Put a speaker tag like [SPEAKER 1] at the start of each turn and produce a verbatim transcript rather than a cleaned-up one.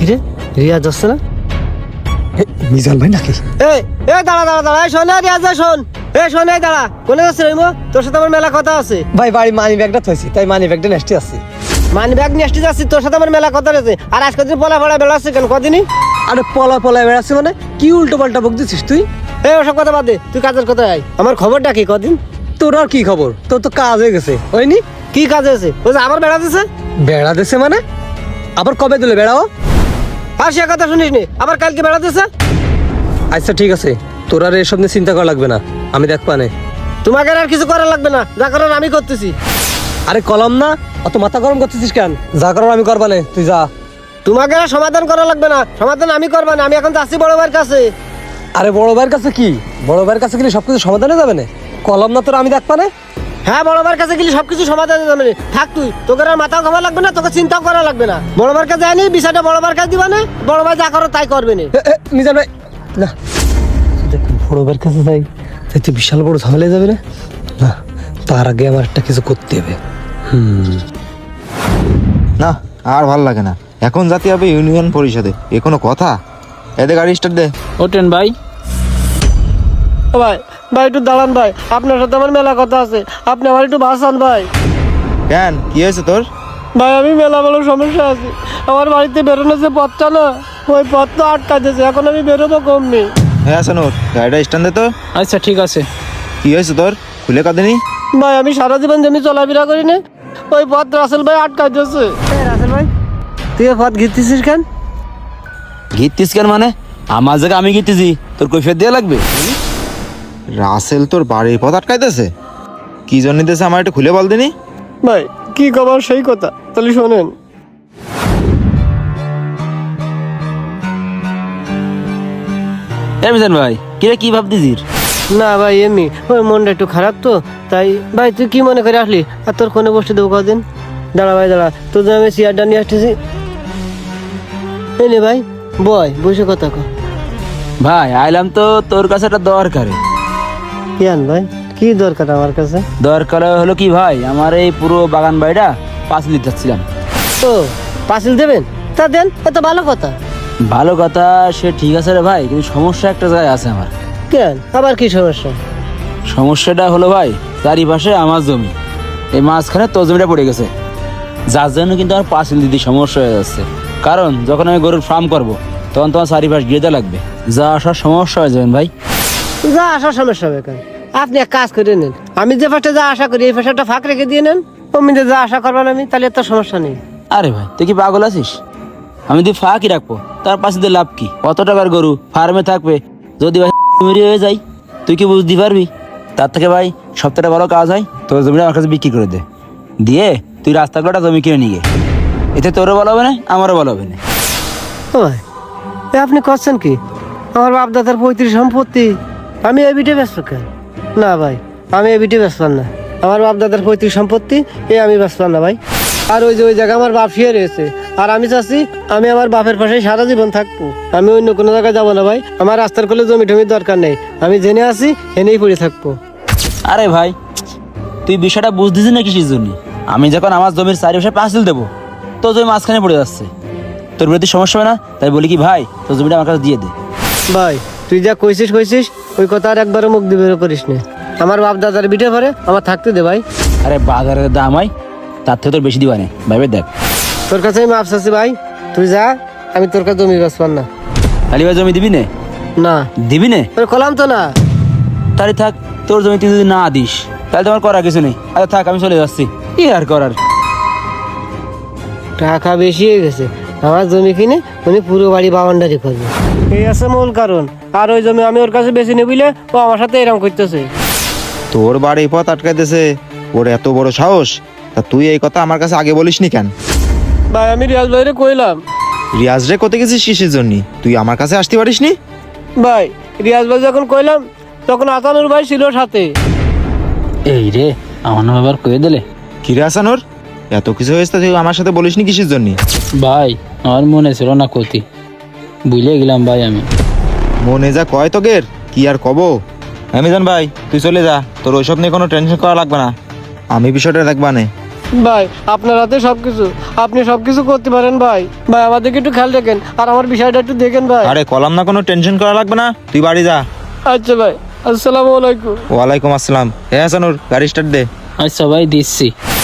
[SPEAKER 1] কিরে রিয়াজ আসছে না?
[SPEAKER 2] মিজান ভাই নাকি?
[SPEAKER 1] এই এই দাঁড়া দাঁড়া দাঁড়া, এই শোন না রিয়াজ, শোন এই শোন, এই দাঁড়া, কোনে যাচ্ছে রে? তোর সাথে আমার মেলা কথা আছে।
[SPEAKER 2] ভাই বাড়ি মানি ব্যাগটা থইছি, তাই মানি ব্যাগটা নেস্টে আছে।
[SPEAKER 1] মানি ব্যাগ নিয়ে আসতে যাচ্ছি, তোর সাথে আমার মেলা কথা রয়েছে। আর আজকে তুই পলা ফলা বেড়াচ্ছে কেন কদিনই?
[SPEAKER 2] আরে পলা পলা বেড়াচ্ছে মানে কি উল্টো পাল্টা বক দিছিস তুই?
[SPEAKER 1] এই ওসব কথা বাদ দে, তুই কাজের কথা আয়। আমার খবরটা কি কদিন?
[SPEAKER 2] তোর আর কি খবর? তোর তো কাজ হয়ে গেছে হয়নি?
[SPEAKER 1] কি কাজ হয়েছে? ওই যে আবার বেড়া দিছে।
[SPEAKER 2] বেড়া দিছে মানে? আবার কবে দিলে বেড়াও?
[SPEAKER 1] আর সে কথা শুনিস নি, আবার কালকে বেড়া দিছে।
[SPEAKER 2] আচ্ছা ঠিক আছে, তোর আর এসব নিয়ে চিন্তা করা লাগবে না, আমি দেখ পানে।
[SPEAKER 1] তোমাকে আর কিছু করা লাগবে না, যা করার আমি করতেছি।
[SPEAKER 2] আরে কলম না, অত মাথা গরম করতেছিস কেন? যা করার আমি করবানে, তুই যা।
[SPEAKER 1] তোমাকে আর সমাধান করা লাগবে না, সমাধান আমি করবা না। আমি এখন যাচ্ছি বড় ভাইয়ের কাছে।
[SPEAKER 2] আরে বড় ভাইয়ের কাছে কি? বড় ভাইয়ের কাছে গেলে সবকিছু সমাধানে যাবে না? কলম না তোর, আমি দেখ পানে।
[SPEAKER 1] হ্যাঁ, বড় ভাইয়ের কাছে গেলে সবকিছু সমাধান হয়ে যাবে। থাক তুই, তোকে আর মাথাও খাওয়া লাগবে না, তোকে চিন্তাও করা লাগবে না। বড় ভাইয়ের কাছে যায়নি, বিষয়টা বড় ভাইয়ের কাছে দিবা না। বড় ভাই যা করো তাই করবে না।
[SPEAKER 2] এ, এ, মিজান ভাই না, দেখ বড় ভাইয়ের কাছে যাই, তাই তো বিশাল বড় ঝামেলা যাবে না। না, তার আগে আমার একটা কিছু করতে হবে। হুম
[SPEAKER 3] না আর ভাল লাগে না, এখন জাতি হবে ইউনিয়ন পরিষদে, এ কোনো কথা? এদের গাড়ি স্টার্ট দে।
[SPEAKER 4] ওঠেন ভাই।
[SPEAKER 1] ও ভাই, ভাই একটু দাঁড়ান ভাই, আপনার সাথে আমার মেলা কথা আছে, আপনি আমার একটু বাঁচান ভাই।
[SPEAKER 3] কেন, কি হয়েছে তোর?
[SPEAKER 1] ভাই আমি মেলা বড় সমস্যা আছে, আমার বাড়িতে বেরোনো যে পথটা না, ওই পথ তো আটকা দিয়েছে, এখন আমি বেরোবো কমনি।
[SPEAKER 3] হ্যাঁ আসানুর, গাড়িটা স্ট্যান্ড দে তো।
[SPEAKER 4] আচ্ছা ঠিক আছে।
[SPEAKER 3] কি হয়েছে তোর, খুলে কাঁদিনি?
[SPEAKER 1] ভাই আমি সারা জীবন জমি চলাফেরা করি না, ওই পথ রাসেল ভাই আটকা দিয়েছে। রাসেল ভাই, তুই এ পথ ঘিরতেছিস কেন?
[SPEAKER 4] গিতিস কেন মানে? আমার জায়গা আমি গিতেছি, তোর কৈফিয়ত দেওয়া লাগবে?
[SPEAKER 3] রাসেল তোর বাড়ির পথ আটকাইতেছে? কি জন্য দিতেছে আমার একটু খুলে বল দিনি।
[SPEAKER 1] ভাই কি খবর সেই কথা তাহলে শোনেন।
[SPEAKER 4] মিজান ভাই কিরে, কি ভাবতেছিস?
[SPEAKER 1] না ভাই এমনি, ওই মনটা একটু খারাপ তো তাই। ভাই তুই কি মনে করে আসলি? আর তোর কোনে বসতে দেবো কদিন? দাঁড়া ভাই দাঁড়া, তোর জন্য আমি চেয়ারটা নিয়ে আসতেছি। এই নে ভাই, বয় বসে কথা কর।
[SPEAKER 4] ভাই আইলাম তো তোর কাছে একটা দরকারে।
[SPEAKER 1] কি আন ভাই, কি দরকার আমার কাছে?
[SPEAKER 4] দরকার হলো কি ভাই, আমার এই পুরো বাগান বাড়িটা পাঁচিল দিতে চাচ্ছিলাম।
[SPEAKER 1] ও পাঁচিল দেবেন? তা দেন, এত ভালো কথা।
[SPEAKER 4] ভালো কথা, সে ঠিক আছে রে ভাই, কিন্তু সমস্যা একটা জায়গায় আছে আমার।
[SPEAKER 1] কেন, আবার কি সমস্যা?
[SPEAKER 4] সমস্যাটা হলো ভাই, চারিপাশে আমার জমি, এই মাঝখানে তোর জমিটা পড়ে গেছে, যার জন্য কিন্তু আমার পাঁচিল দিতে সমস্যা হয়ে যাচ্ছে। কারণ যখন আমি গরুর ফার্ম করবো তখন তোমার চারিপাশ গিয়ে দেওয়া লাগবে, যা আসার সমস্যা হয়ে যাবেন ভাই।
[SPEAKER 1] যা আসার সমস্যা হবে কেন? আপনি এক কাজ করে নেন, আমি যে ফার্স্টে যা আশা করি এই ফার্স্টটা ফাঁক রেখে দিয়ে নেন, অমিতে যা আশা করবেন আমি, তাহলে এত সমস্যা নেই।
[SPEAKER 4] আরে ভাই তুই কি পাগল আছিস? আমি তুই ফাঁকই রাখবো, তার পাশে দিয়ে লাভ কি? অত টাকার গরু ফার্মে থাকবে, যদি ভাই মেরে হয়ে যায় তুই কি বুঝতে পারবি? তার থেকে ভাই সপ্তাহটা বড় কাজ হয়, তোর জমিটা আমার কাছে বিক্রি করে দে, দিয়ে তুই রাস্তাগুলোটা জমি কিনে নিয়ে, এতে তোরও ভালো হবে না আমারও ভালো হবে না।
[SPEAKER 1] ও ভাই, এ আপনি করছেন কি? আমার বাপ দাদার পঁয়ত্রিশ সম্পত্তি, আমি এ বিটে ব্যস্ত কেন? না ভাই, আমি এ বিটে ব্যস্ত না। আমার বাপ দাদার পঁয়ত্রিশ সম্পত্তি এ আমি ব্যস্ত না ভাই। আর ওই যে ওই জায়গায় আমার বাপ শুয়ে রয়েছে, আর আমি চাচ্ছি আমি আমার বাপের পাশে সারা জীবন থাকবো, আমি অন্য কোনো জায়গায় যাবো না ভাই। আমার রাস্তার কোলে জমি টমির দরকার নেই, আমি জেনে আছি এনেই পড়ে থাকবো।
[SPEAKER 4] আরে ভাই তুই বিষয়টা বুঝতেছিস না কিসের জন্য? আমি যখন আমার জমির চারিপাশে পাঁচিল দেবো, তোর জমি মাঝখানে পড়ে যাচ্ছে, তোর বিরুদ্ধে সমস্যা হবে না? তাই বলি কি ভাই, তোর জমিটা আমার কাছে দিয়ে দে।
[SPEAKER 1] ভাই তুই যা কইছিস কইছিস, ওই কথা আর একবারও মুখ দিয়ে বেরো করিস না। আমার বাপ দাদার বিটে পরে আমার থাকতে দে ভাই।
[SPEAKER 4] আরে বাজারের দাম হয়, তার থেকে তোর বেশি দিবা না ভাইবে, দেখ
[SPEAKER 1] তোর কাছে আমি মাপ চাচ্ছি ভাই, তুই যা, আমি তোর কাছে জমি বেচবার না।
[SPEAKER 4] আলি ভাই জমি দিবি নে?
[SPEAKER 1] না
[SPEAKER 4] দিবি নে?
[SPEAKER 1] তোর কলাম তো না।
[SPEAKER 4] তাহলে থাক, তোর জমি তুই যদি না দিস তাহলে তোমার করার কিছু নেই। আচ্ছা থাক, আমি চলে যাচ্ছি, কি আর করার।
[SPEAKER 1] টাকা বেশি হয়ে গেছে, আমার জমি কিনে উনি পুরো বাড়ি বাউন্ডারি করবে, এই আছে মূল কারণ। আর ওই জমি আমি ওর কাছে বেশি নিবিলে ও আমার সাথে এরকম করতেছে।
[SPEAKER 3] তোর বাড়ির পথ আটকাইতেছে, ওর এত বড় সাহস, তা তুই এই কথা আমার কাছে আগে বলিসনি কেন?
[SPEAKER 1] ভাই আমি রিয়াজ ভাইরে কইলাম।
[SPEAKER 3] রিয়াজ রে কোথায় গেছিস কিসের জন্য? তুই আমার কাছে আসতে পারিসনি?
[SPEAKER 1] ভাই রিয়াজ ভাই যখন কইলাম তখন আসানুর ভাই ছিল সাথে।
[SPEAKER 4] এই রে, আমার নাম আবার কয়ে দিলে।
[SPEAKER 3] কিরে আসানুর, এত কিছু হয়েছে তুই আমার সাথে বলিসনি কিসের জন্য?
[SPEAKER 4] ভাই আমার মনে ছিল না ক্ষতি, বুঝলে গেলাম ভাই আমি।
[SPEAKER 3] মনে যা কয় তোগের, কি আর কব। অ্যামাজন ভাই তুই চলে যা, তোর ওইসব নিয়ে কোনো টেনশন করা লাগবে না, আমি বিষয়টা দেখবা নে।
[SPEAKER 1] ভাই আপনার হাতে সবকিছু, আপনি সবকিছু করতে পারেন ভাই। ভাই আমাদেরকে একটু খেয়াল রাখেন আর আমার বিষয়টা একটু দেখেন ভাই।
[SPEAKER 3] আরে কলাম না, কোনো টেনশন করা লাগবে না, তুই বাড়ি যা।
[SPEAKER 1] আচ্ছা ভাই, আসসালামু আলাইকুম।
[SPEAKER 3] ওয়ালাইকুম আসসালাম। হ্যাঁ হাসানুর, গাড়ি স্টার্ট দে।
[SPEAKER 4] আচ্ছা ভাই দিচ্ছি।